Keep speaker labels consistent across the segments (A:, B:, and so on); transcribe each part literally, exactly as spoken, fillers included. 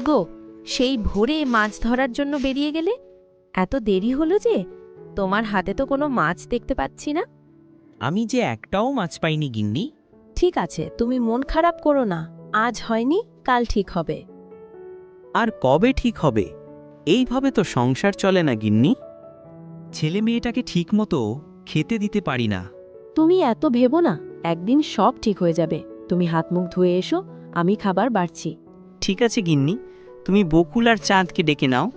A: গো, সেই ভোরে মাছ ধরার জন্য বেরিয়ে গেলে, এত দেরি হলো যে? তোমার হাতে তো কোনো মাছ দেখতে পাচ্ছি না।
B: আমি যে একটাও মাছ পাইনি গিন্নি।
A: ঠিক আছে, তুমি মন খারাপ করো না, আজ হয়নি, কাল ঠিক হবে।
B: আর কবে ঠিক হবে? এইভাবে তো সংসার চলে না গিন্নি। ছেলে মেয়েটাকে ঠিকমতো খেতে দিতে পারি না।
A: তুমি এত ভেবো না, একদিন সব ঠিক হয়ে যাবে। তুমি হাত মুখ ধুয়ে এসো, আমি খাবার বাড়ছি।
B: ঠিক আছে গিন্নি, তুমি বকুল আর চাঁদকে ডেকে নাও।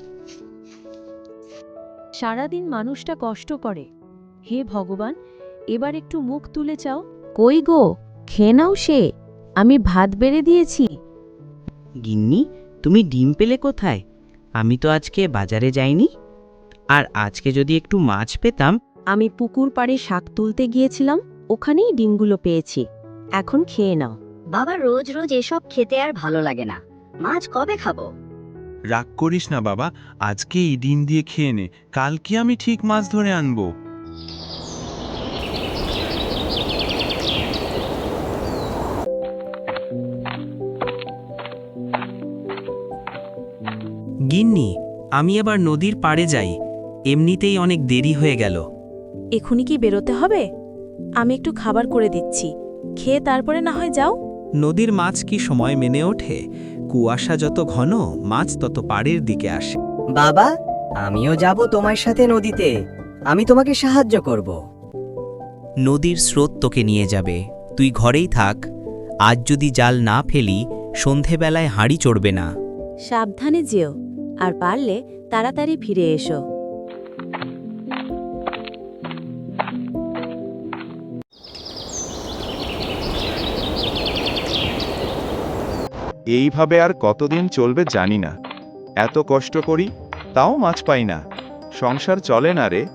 A: সারাদিন মানুষটা কষ্ট করে। হে ভগবান, এবার একটু মুখ তুলে চাও। কই গো, খেয়ে নাও সে, আমি ভাত বেড়ে দিয়েছি।
B: গিন্নি, তুমি ডিম পেলে কোথায়? আমি তো আজকে বাজারে যাইনি। আর আজকে যদি একটু মাছ পেতাম।
A: আমি পুকুর পাড়ে শাক তুলতে গিয়েছিলাম, ওখানেই ডিমগুলো পেয়েছি। এখন খেয়ে নাও।
C: বাবা, রোজ রোজ এসব খেতে আর ভালো লাগে না। মাছ কবে খাবো?
D: রাগ করিস না বাবা, আজকে এই ডিম দিয়ে খেয়ে নে, কালকে আমি ঠিক মাছ ধরে আনবো।
B: গিন্নি, আমি এবার নদীর পাড়ে যাই, এমনিতেই অনেক দেরি হয়ে গেল।
A: এখনই কি বেরোতে হবে? আমি একটু খাবার করে দিচ্ছি, খেয়ে তারপরে না হয় যাও।
B: নদীর মাছ কি সময় মেনে ওঠে? কুয়াশা যত ঘন, মাছ তত পাড়ের দিকে আসে।
E: বাবা, আমিও যাব তোমার সাথে নদীতে। আমি তোমাকে সাহায্য করব।
B: নদীর স্রোত তোকে নিয়ে যাবে, তুই ঘরেই থাক। আজ যদি জাল না ফেলি, সন্ধেবেলায় হাঁড়ি চড়বে না।
A: সাবধানে যেও, আর পারলে তাড়াতাড়ি ফিরে এসো।
F: এইভাবে আর কতদিন চলবে জানি না। এত কষ্ট করি, তাও মাছ পাই না। সংসার চলে না রে।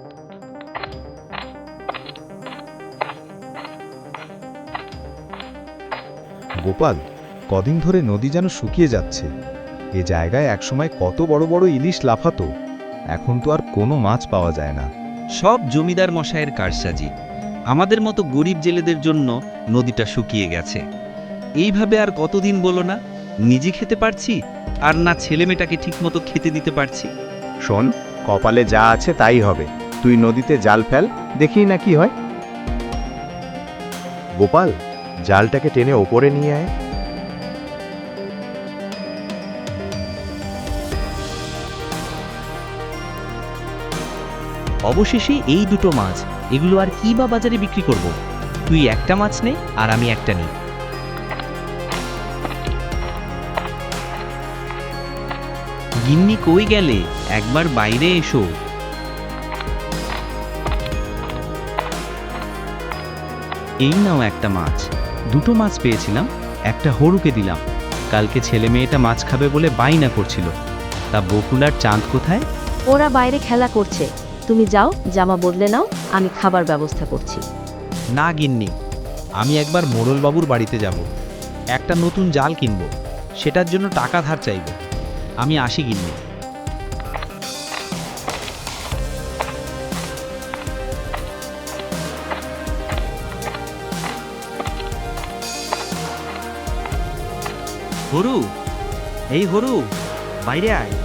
F: গোপাল, কদিন ধরে নদী যেন শুকিয়ে যাচ্ছে। এ জায়গায় একসময় কত বড় বড় ইলিশ লাফাতো, এখন তো আর কোনো মাছ পাওয়া যায় না।
G: সব জমিদার মশায়ের কারসাজি। আমাদের মতো গরিব জেলেদের জন্য নদীটা শুকিয়ে গেছে। এইভাবে আর কতদিন বলো না? নিজে খেতে পারছি, আর না ছেলেমেয়েটাকে ঠিকমতো খেতে দিতে পারছি।
F: শোন, কপালে যা আছে তাই হবে। তুই নদীতে জাল ফেল, দেখি না কি হয়। গোপাল, জালটাকে টেনে ওপরে নিয়ে আয়।
B: অবশেষে এই দুটো মাছ, এগুলো আর কি বা বাজারে বিক্রি করব? তুই একটা মাছ নে, আর আমি একটা নিই। গিন্নি কই গেলে? একবার বাইরে এসো। এই নাও একটা মাছ। দুটো মাছ পেয়েছিলাম, একটা হরুকে দিলাম। কালকে ছেলে মেয়েটা মাছ খাবে বলে বায়না করছিল। তা বকুল আর চাঁদ কোথায়?
A: ওরা বাইরে খেলা করছে, তুমি যাও, জামা বদলে নাও, আমি খাবার ব্যবস্থা করছি।
G: না গিন্নি, আমি একবার মোড়লবাবুর বাড়িতে যাব। একটা নতুন জাল কিনব, সেটার জন্য টাকা ধার চাইব। আমি আসি গিন্নি। হরু, এই হরু, বাইরে আয়।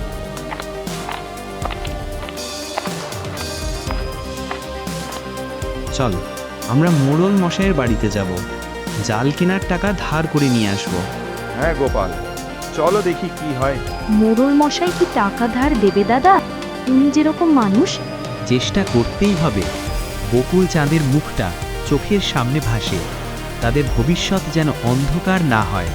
G: চল, আমরা মোড়ল মশাইয়ের বাড়িতে যাব। জাল কেনার টাকা ধার করে নিয়ে আসব।
F: হ্যাঁ গোপাল, চলো দেখি কি হয়।
A: মোড়ল মশাই কি টাকা ধার দেবে দাদা? তুমি যেরকম মানুষ।
B: চেষ্টা করতেই হবে। বকুল চাঁদের মুখটা চোখের সামনে ভাসে, তাদের ভবিষ্যৎ যেন অন্ধকার না হয়।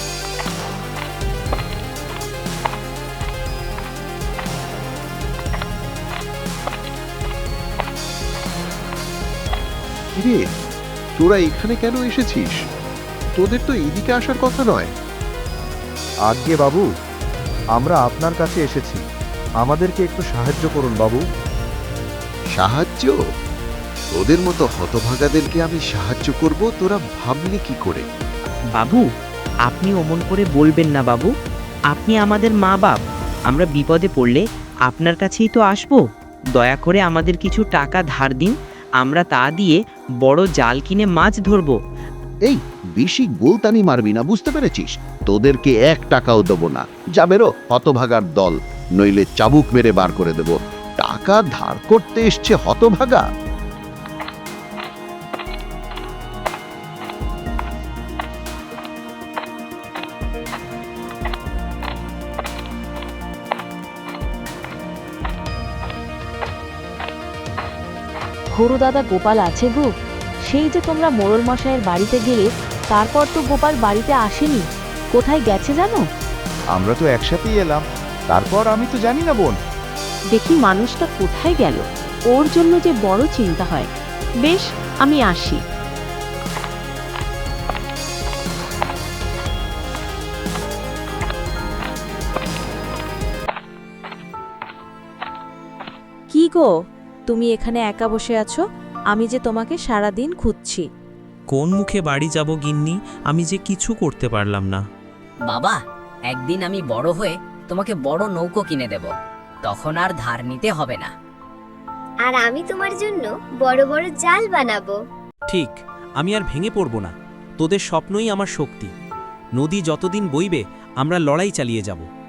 H: রে, তোরা এখানে কেন এসেছিস? তোদের তো এদিকে আসার কথা নয়।
F: আজ্ঞে বাবু, আমরা আপনার কাছে এসেছি, আমাদেরকে একটু সাহায্য করুন বাবু।
H: সাহায্য? তোদের মতো হতভাগাদেরকে আমি সাহায্য করব, তোরা ভাবলি কি করে?
B: বাবু, আপনি অমন করে বলবেন না বাবু। আপনি আমাদের মা বাপ, আমরা বিপদে পড়লে আপনার কাছেই তো আসবো। দয়া করে আমাদের কিছু টাকা ধার দিন, আমরা তা দিয়ে বড় জাল কিনে মাছ ধরব।
H: এই বেশি গোলতানি মারবি না, বুঝতে পেরেছিস? তোদেরকে এক টাকাও দেবো না। যা বেরো হতভাগার দল, নইলে চাবুক মেরে বার করে দেব। টাকা ধার করতে এসছে হতভাগা।
A: হরু দাদা, গোপাল আছে গো? সেই যে তোমরা মোড়ল মশাইয়ের বাড়িতে গেলে তারপর তো গোপাল বাড়িতে আসেনি। কোথায় গেছে জানো?
F: আমরা তো একসাথেই এলাম, তারপর আমি তো জানি না বোন।
A: দেখি মানুষটা কোথায় গেল, ওর জন্য যে বড় চিন্তা হয়। বেশ, আমি আসি। কি গো, তুমি এখানে একা বসে আছো? আমি যে তোমাকে সারা দিন খুঁজছি।
I: কোন মুখে বাড়ি যাব গিন্নি, আমি যে কিছু করতে পারলাম না।
E: বাবা, একদিন আমি বড় হয়ে তোমাকে বড় নৌকো কিনে দেব, তখন আর ধার নিতে হবে না।
J: আর আমি তোমার জন্য বড় বড় জাল বানাবো।
I: ঠিক, আমি আর ভেঙে পড়ব না। তোদের স্বপ্নই আমার শক্তি। নদী যতদিন বইবে আমরা লড়াই চালিয়ে যাব।